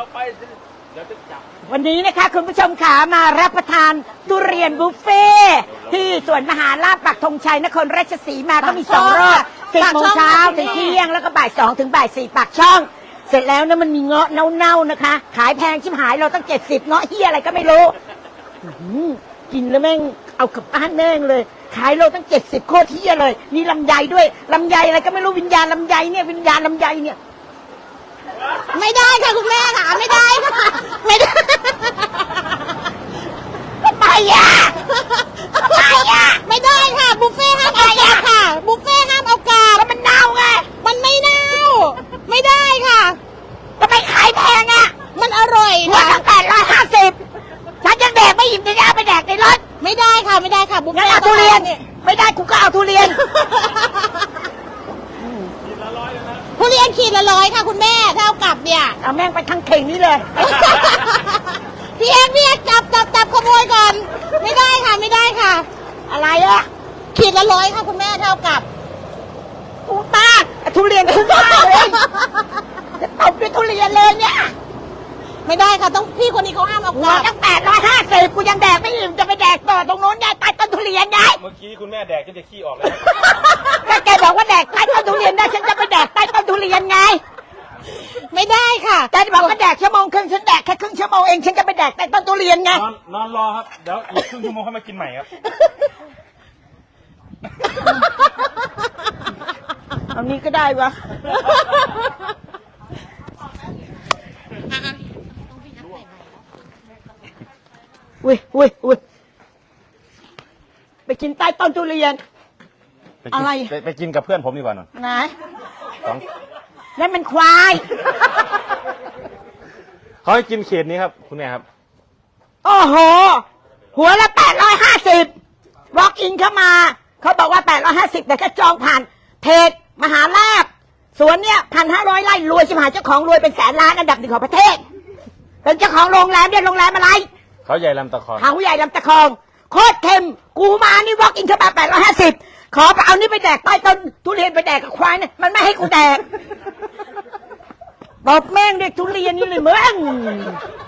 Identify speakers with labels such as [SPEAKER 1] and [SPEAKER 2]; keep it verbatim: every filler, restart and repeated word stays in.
[SPEAKER 1] ไปเดี๋ยวจะจับ
[SPEAKER 2] วันนี้นะคะคุณผู้ชมขามารับประทานทุเรียนบุฟเฟ่ที่สวนมหาลาภปักธงชัยนครราชสีมาก็มีสองรอบสิบโมงเช้าถึงเที่ยงแล้วก็บ่ายสองถึงบ่ายสี่ปากช่องเสร็จแล้วนะมันมีเงาะเน่าๆนะคะขายแพงชิบหายเราตั้งเจ็ดสิบเงาะเฮียอะไรก็ไม่รู้กินแล้วแม่งเอากลับบ้านแม่งเลยขายเราตั้งเจ็ดสิบโคตรเฮียเลยมีลำไยด้วยลำไยอะไรก็ไม่รู้วิญญาณลำไยเนี่ยวิญญาณลำไยเนี่ย
[SPEAKER 3] ไม่ได้ค่ะคุณแม่ค่ะไม่ได้ค่ะไม่ได้
[SPEAKER 2] ทำไมอ่ะทำไมอ่ะ
[SPEAKER 3] ไม่ได้ค่ะบุฟเฟ่ห้ามเอากลับค่ะบุฟเฟ่ห้ามเอากลับ
[SPEAKER 2] แล้วมันเน่าไง
[SPEAKER 3] มันไม่เน่าไม่ได้ค่ะ
[SPEAKER 2] ทำไมขายแพงอ่ะ
[SPEAKER 3] มันอร่อย
[SPEAKER 2] ค่ะ
[SPEAKER 3] ค่ะ
[SPEAKER 2] แปดร้อยห้าสิบฉันยังแดกไม่อิ่มจะเอาไปแดกในรถ
[SPEAKER 3] ไม่ได้ค่ะไม่ได้ค่ะบุฟเฟ่
[SPEAKER 2] เอาทุเรียนไม่ได้กูก็เอาทุเรียน
[SPEAKER 3] ทุเรียนขีดละร้อยค่ะคุณแม่เท่ากับเนี่ย
[SPEAKER 2] เอาแม่งไปทั้งเข่งนี้เลย
[SPEAKER 3] พี่เอ็กพี่เอ็กจับจับจับขโมยก่อนไม่ได้ค่ะไม่ได้ค่ะ
[SPEAKER 2] อะไรอ่ะ
[SPEAKER 3] ขีดละร้อยค่ะคุณแม่เท่ากับ
[SPEAKER 2] กูตาทุเรียนกูตาเลยจะตบด้วยทุเรียนเลยเนี่ย
[SPEAKER 3] ไม่ได้ค่ะต้องพี่คนนี้เขาห้ามเอากลับ
[SPEAKER 2] ตั้งแปดร้อยห้าสิบกูยังแดกไม่อิ่มจะไปแดกต่อตรงโน้นได้ใต้ต้นทุเรียนไง
[SPEAKER 1] เมื่อกี้คุณแม่แดกจนจะขี้ออกแล้ว
[SPEAKER 2] ก็แกบอกว่าแดกใต้ต้นทุเรียนได้ฉันจะไปแดกใต้ต้นทุเรียนไง
[SPEAKER 3] ไม่ได้ค่ะ
[SPEAKER 2] แกบอกว่าแดกชั่วโมงครึ่งฉันแดกแค่ครึ่งชั่วโมงเองฉันจะไปแดกใต้ต้นทุเรียนไง
[SPEAKER 1] นอนนอนรอครับเดี๋ยวอีกครึ่งชั่วโมงค่อยมากินใหม่ครับ
[SPEAKER 2] เอานี้ก็ได้วะอุ้ยอุ้ยอุ้ยไปกินใต้ต้นทุเรียนอะไร
[SPEAKER 1] ไปกินกับเพื่อนผมดีกว่าหน่อย
[SPEAKER 2] ไหน
[SPEAKER 1] สอง
[SPEAKER 2] นั่นมันควาย
[SPEAKER 1] เขาให้กินเขตนี้ครับคุณแม่ครับ
[SPEAKER 2] โอ้โหหัวละแปดร้อยห้าสิบวอล์กอินเข้ามาเขาบอกว่าแปดร้อยห้าสิบแต่ก็จองผ่านเพจมหาลาภสวนเนี่ยพันห้าร้อยไร่รวยชิบหายเจ้าของรวยเป็นแสนล้านอันดับหนึ่งของประเทศเป็นเจ้าของโรงแรมเนี่ยโรงแรมอะไร
[SPEAKER 1] เขาใหญ่ลำตะคอง
[SPEAKER 2] เขาใหญ่ลำตะคองโคตรเค็มกูมานี่วอล์กอินเข้ามาแปดร้อยห้าสิบขอไปเอานี่ไปแดกใต้ต้นทุเรียนไปแดกกับควายเนี่ยมันไม่ให้กูแดกบอกแม่งเด็กทุเรียนนี่เลยมึง